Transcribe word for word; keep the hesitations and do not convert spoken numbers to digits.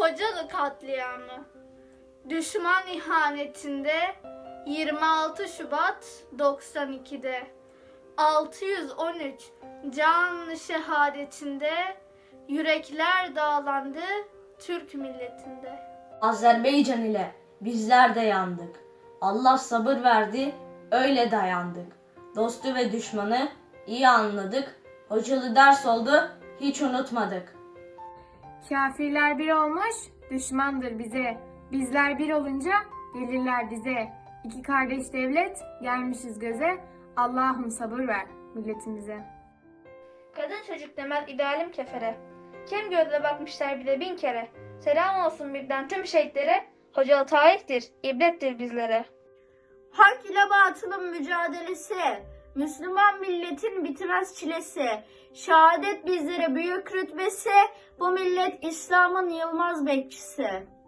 Hocalı katliamı. Düşman ihanetinde yirmi altı Şubat doksan ikide altı yüz on üç canlı şehadetinde yürekler dağlandı Türk milletinde. Azerbaycan ile bizler de yandık. Allah sabır verdi, öyle dayandık. Dostu ve düşmanı iyi anladık. Hocalı ders oldu, hiç unutmadık. Kafirler bir olmuş, düşmandır bize. Bizler bir olunca gelirler bize. İki kardeş devlet, gelmişiz göze. Allah'ım sabır ver milletimize. Kadın çocuk demez idealim kefere. Kim gözle bakmışlar bile bin kere. Selam olsun birden tüm şehitlere. Hocalı tarihtir, ibrettir bizlere. Hak ile batılın mücadelesi, Müslüman milletin bitmez çilesi, şehadet bizlere büyük rütbesi, bu millet İslam'ın yılmaz bekçisi.